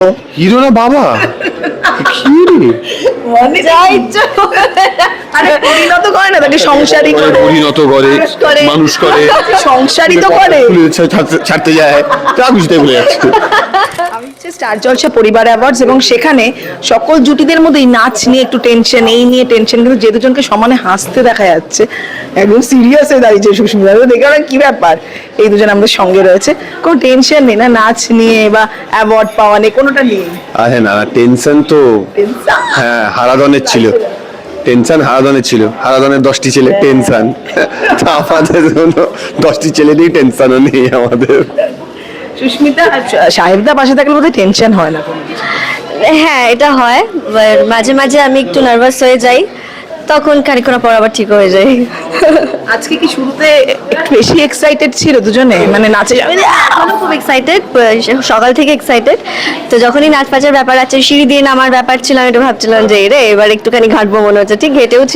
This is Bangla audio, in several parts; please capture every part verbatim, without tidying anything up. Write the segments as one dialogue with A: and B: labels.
A: হিরো না বাবা কি রে
B: মানে যা ইচ্ছা আরে পরিণত করে না তাকে সংসারী করে
A: পরিণত করে মানুষ করে
B: সংসারী তো করে
A: ছাড়তে যায় তা বুঝতে বলে যাচ্ছে
B: আমি হচ্ছে স্টার জলসা পরিবার অ্যাওয়ার্ডস এবং সেখানে সকল জুটিদের মধ্যেই নাচ নিয়ে একটু টেনশন এই নিয়ে টেনশন কিন্তু যে দুজনকে সমানে হাসতে দেখা যাচ্ছে একদম সিরিয়াস হয়ে দাঁড়িয়েছে সুস্মিতা দেখে না কি ব্যাপার এই দুজন আমাদের সঙ্গে রয়েছে কোনো টেনশন নেই না নাচ নিয়ে বা অ্যাওয়ার্ড পাওয়া নেই কোনোটা নেই
A: আরে না টেনশন তো হ্যাঁ হারাধনের ছিল টেনশন হারাধনের ছিল হারাধনের দশটি ছেলে টেনশন আমাদের জন্য দশটি ছেলে নিয়ে টেনশনও নেই আমাদের
B: সুস্মিতা সাহেবদা পাশে থাকলে বোধহয় টেনশন হয় না
C: হ্যাঁ এটা হয় মাঝে মাঝে আমি একটু নার্ভাস হয়ে যাই তখন খানিকক্ষণ পর আবার ঠিক হয়ে যায়
B: আজকে কি শুরুতে একটু বেশি এক্সাইটেড ছিল দুজনে মানে নাচে যাবে
C: এখনো খুব এক্সাইটেড সকাল থেকে এক্সাইটেড তো যখনই নাচ পাচার ব্যাপার আছে সিঁড়ি দিয়ে নামার ব্যাপার ছিল আমি একটু ভাবছিলাম যে রে এবার একটুখানি ঘাটবো মনে হচ্ছে ঠিক ঘেটেওছি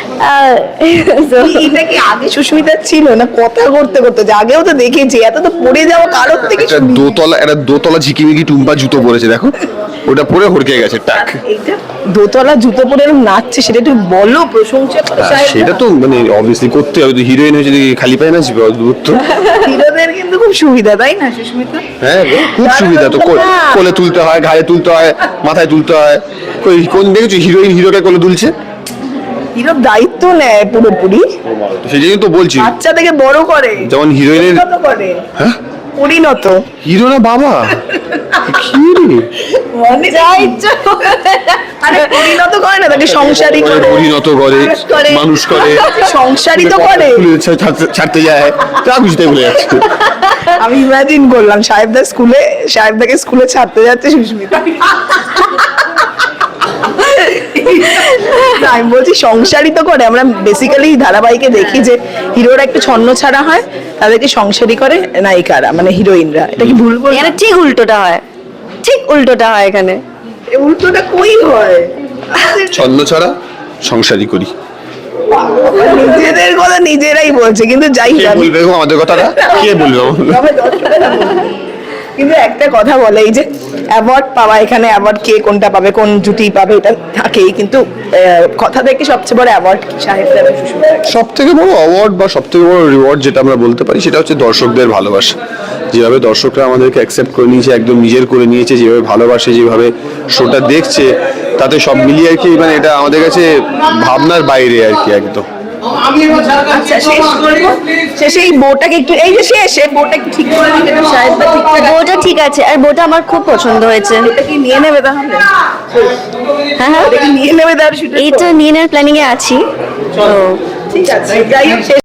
B: এটা কি আগে সুস্মিতা ছিল না কথা করতে করতে যে আগেও তো দেখেছি এত তো পড়ে যাওয়া কারোর থেকে
A: একটা দোতলা একটা দোতলা ঝিকিমিকি টুম্পা জুতো পরেছে দেখো ওটা পরে হড়কে গেছে টাক
B: এইটা দোতলা জুতো পরে এরকম নাচছে সেটা একটু বলো প্রশংসা করে
A: সেটা তো মানে অবভিয়াসলি করতে হবে হিরোইন হয়ে যদি খালি পায় নাচবে অদ্ভুত তো
B: হিরোদের কিন্তু খুব সুবিধা তাই না সুস্মিতা
A: হ্যাঁ খুব সুবিধা তো কোলে তুলতে হয় ঘাড়ে তুলতে হয় মাথায় তুলতে হয় কই কোন দেখেছো হিরোইন হিরোকে কোলে তুলছে
B: হিরোর দায়িত্ব নেয় পুরোপুরি
A: সেই জন্যই তো বলছি
B: বাচ্চা থেকে বড় করে
A: যেমন হিরোইনের
B: করে
A: হ্যাঁ
B: পরিণত
A: হিরো না বাবা কি রে
B: মানে যা ইচ্ছা আরে পরিণত করে না তাকে সংসারী করে
A: পরিণত করে মানুষ করে
B: সংসারী তো করে
A: ছাড়তে যায় তা বুঝতে বলে যাচ্ছে
B: আমি ইমাজিন করলাম সাহেবদা স্কুলে সাহেবদাকে স্কুলে ছাড়তে যাচ্ছে সুস্মিতা আমি বলছি সংসারী তো করে আমরা বেসিক্যালি ধারাবাহিকে দেখি যে হিরোরা একটু ছন্ন ছাড়া হয় তাদেরকে সংসারী করে নায়িকারা মানে হিরোইনরা এটা কি ভুল বল
C: এখানে ঠিক উল্টোটা হয় ঠিক উল্টোটা হয় এখানে
B: উল্টোটা কই হয়
A: ছন্ন ছাড়া সংসারী করি
B: নিজেদের কথা নিজেরাই বলছে কিন্তু যাই
A: কে বলবে গো আমাদের কথাটা কে বলবে
B: কিন্তু একটা কথা বলে এই যে অ্যাওয়ার্ড পাওয়া এখানে অ্যাওয়ার্ড কে কোনটা পাবে কোন জুটি পাবে এটা থাকেই কিন্তু কথা থেকে সবচেয়ে বড় অ্যাওয়ার্ড কি সাহেবদা
A: সব থেকে বড় অ্যাওয়ার্ড বা সব থেকে বড় রিওয়ার্ড যেটা আমরা বলতে পারি সেটা হচ্ছে দর্শকদের ভালোবাসা যেভাবে দর্শকরা আমাদেরকে অ্যাকসেপ্ট করে নিয়েছে একদম নিজের করে নিয়েছে যেভাবে ভালোবাসে যেভাবে শোটা দেখছে তাতে সব মিলিয়ে আর কি মানে এটা আমাদের কাছে ভাবনার বাইরে আর কি একদম
B: আচ্ছা শেষ করবো শেষে এই বউটাকে একটু এই যে শেষ এই বউটা একটু ঠিক করে দিতে সাহেবদা ঠিক করে
C: বউটা ঠিক আছে আর বউটা আমার খুব পছন্দ হয়েছে
B: এটা কি নিয়ে নেবে তাহলে
C: হ্যাঁ হ্যাঁ
B: এটা কি নিয়ে নেবে তাহলে
C: এইটা নিয়ে নেওয়ার প্ল্যানিং এ আছি তো
B: ঠিক আছে যাই হোক